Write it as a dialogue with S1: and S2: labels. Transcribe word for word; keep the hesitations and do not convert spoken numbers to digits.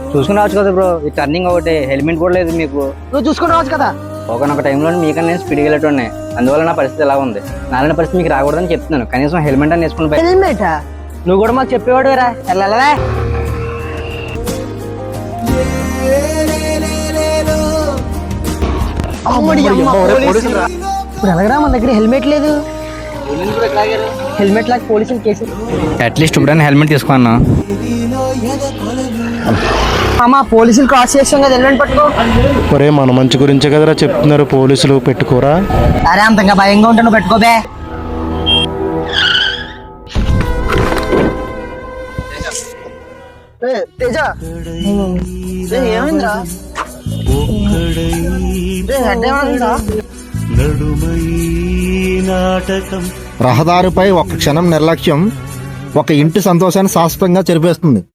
S1: చూసుకుని రావచ్చు కదా బ్రో, ఈ టర్నింగ్ ఒకటి, హెల్మెట్ కూడా లేదు మీకు.
S2: నువ్వు చూసుకుని రావచ్చు కదా.
S1: ఒకనొక టైంలో మీకన్నా నేను స్పీడ్గా వెళ్ళేటోనే, అందువల్ల నా పరిస్థితి ఎలా ఉంది. నాలుగు పరిస్థితి మీకు రాకూడదని చెప్తున్నాను. కనీసం హెల్మెట్ అని వేసుకుని బయట.
S2: హెల్మెట్ నువ్వు కూడా మాకు చెప్పేవాడు రా. వెళ్ళాలరా ఇప్పుడు ఎలాగరా, మన దగ్గర హెల్మెట్ లేదు. హెల్మెట్ లాగా పోలీసులు కేసు.
S1: అట్లీస్ట్ ఇప్పుడైనా హెల్మెట్ తీసుకున్నా.
S2: అమ్మా పోలీసులు క్రాస్ చేస్తాం కదా, హెల్మెట్ పట్టుకో.
S3: ఒరే మన మంచి గురించే కదరా చెప్తున్నారు, పోలీసులు పెట్టుకోరా.
S2: అరే అంతంగా భయంగా ఉంటాను, పెట్టుకోబే. తేజ ఏమైందిరా?
S4: రహదారిపై ఒక క్షణం నిర్లక్ష్యం ఒక ఇంటి సంతోషాన్ని శాశ్వతంగా చెరిపేస్తుంది.